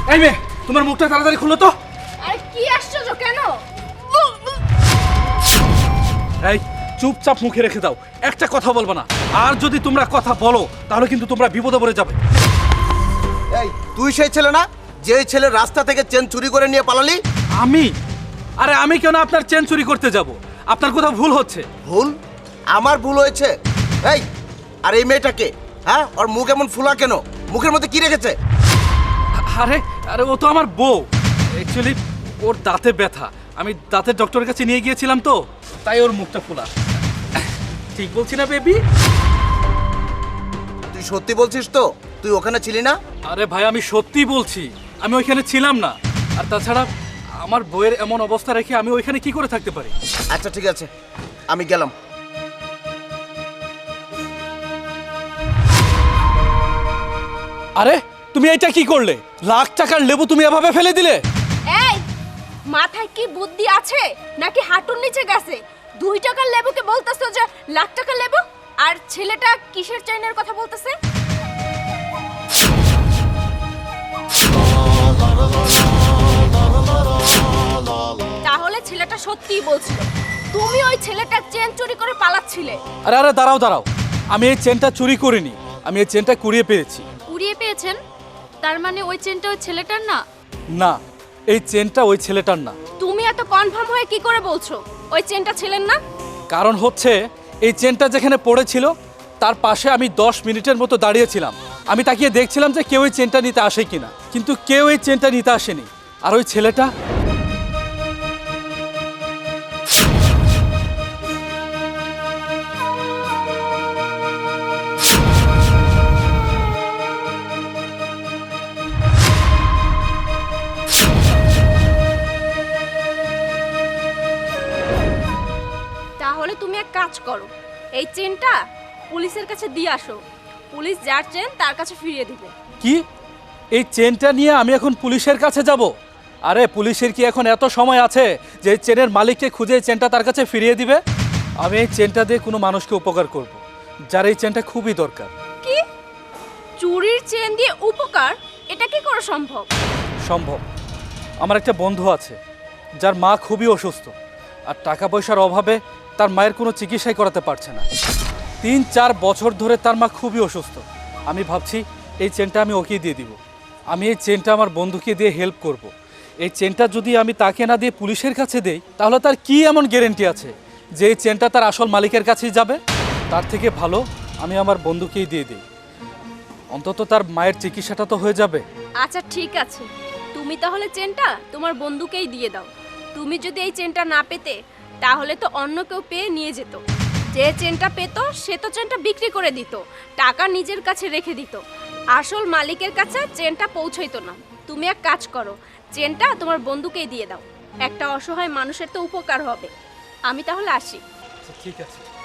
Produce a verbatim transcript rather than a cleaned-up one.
এই মেয়ে, তোমার মুখটা তাড়াতাড়ি খুলো তো। আরে কি আশ্চর্য, কেন? এই চুপচাপ মুখে রেখে দাও, একটা কথা বলবো না। আর যদি তোমরা কথা বলো তাহলে কিন্তু তোমরা বিপদে পড়ে যাবে। এই তুই সেই ছেলে না যে ছেলে রাস্তা থেকে চেন চুরি করে নিয়ে পালালি? আমি? আরে আমি কেন আপনার চেন চুরি করতে যাব? আপনার কোথাও ভুল হচ্ছে। ভুল? আমার ভুল হয়েছে? এই আর এই মেয়েটাকে, হ্যাঁ, ওর মুখ এমন ফুলা কেন? মুখের মধ্যে কি রেখেছে? আরে আরে ও তো আমার বউ। অ্যাকচুয়ালি ওর দাঁতে ব্যথা, আমি দাঁতের ডক্টরের কাছে নিয়ে গিয়েছিলাম তো, তাই ওর মুখটা ফোলা। ঠিক বলছি না বেবি? তুই সত্যি বলছিস তো? তুই ওখানে ছিলি না? আরে ভাই আমি সত্যি বলছি, আমি ওইখানে ছিলাম না। আর তাছাড়া আমার বউয়ের এমন অবস্থা রেখে আমি ওইখানে কি করে থাকতে পারি? আচ্ছা ঠিক আছে, আমি গেলাম। আরে তুমি এটা কি করলে? লাখ টাকার লেবু তুমি এভাবে ফেলে দিলে? এই মাথায় কি বুদ্ধি আছে নাকি হাঁটুর নিচে গেছে? দুই টাকার লেবুকে বলতেছো যে লাখ টাকার লেবু, আর ছেলেটা কিসের চাইনার কথা বলতেছে? তাহলে ছেলেটা সত্যিই বলছিল তুমি ওই ছেলেটার চেন চুরি করে পালাচ্ছিলে। আরে আরে দাঁড়াও দাঁড়াও, আমি এই চেনটা চুরি করিনি, আমি এই চেনটা কুড়িয়ে পেয়েছি। কুড়িয়ে পেয়েছেন? তার মানে ওই চেনটা ওই ছেলেটার না? না, এই চেনটা ওই ছেলেটার না। তুমি এত কনফার্ম হয়ে কি করে বলছো ওই চেনটা ছেলের না? কারণ হচ্ছে এই চেনটা যেখানে পড়েছিল তার পাশে আমি দশ মিনিটের মতো দাঁড়িয়েছিলাম। আমি তাকিয়ে দেখছিলাম যে কেউ এই চেনটা নিতে আসে কিনা, কিন্তু কেউ এই চেনটা নিতে আসেনি। আর ওই ছেলেটা তাহলে তুমি এক কাজ করো, এই চেনটা পুলিশের কাছে দিয়ে আসো। পুলিশ যার চেন তার কাছে ফিরিয়ে দিবে। কি? এই চেনটা নিয়ে আমি এখন পুলিশের কাছে যাব? আরে পুলিশের কি এখন এত সময় আছে যে এই চেনের মালিককে খুঁজে এই চেনটা তার কাছে ফিরিয়ে দিবে? আমি এই চেনটা দিয়ে কোনো মানুষকে উপকার করব, যার এই চেনটা খুবই দরকার। কি? চুরির চেন দিয়ে উপকার? এটা কি করে সম্ভব? সম্ভব। আমার একটা বন্ধু আছে যার মা খুবই অসুস্থ, আর টাকা পয়সার অভাবে তার মায়ের কোনো চিকিৎসাই করাতে পারছে না। তিন চার বছর ধরে তার মা খুবই অসুস্থ। আমি ভাবছি এই চেনটা আমি ওকে দিয়ে দিব। আমি এই চেনটা আমার বন্ধুকে দিয়ে হেল্প করব। এই চেনটা যদি আমি তাকে না দিয়ে পুলিশের কাছে দেই তাহলে তার কি এমন গ্যারেন্টি আছে যে এই চেনটা তার আসল মালিকের কাছেই যাবে? তার থেকে ভালো আমি আমার বন্ধুকেই দিয়ে দিই, অন্তত তার মায়ের চিকিৎসাটা তো হয়ে যাবে। আচ্ছা ঠিক আছে, তুমি তাহলে চেনটা তোমার বন্ধুকেই দিয়ে দাও। তুমি যদি এই চেনটা না পেতে তাহলে তো অন্য কেউ পেয়ে নিয়ে যেত। যে চেনটা পেত সে তো চেনটা বিক্রি করে দিত, টাকা নিজের কাছে রেখে দিত, আসল মালিকের কাছে চেনটা পৌঁছইতো না। তুমি এক কাজ করো, চেনটা তোমার বন্ধুকেই দিয়ে দাও, একটা অসহায় মানুষের তো উপকার হবে। আমি তাহলে আসি। ঠিক আছে।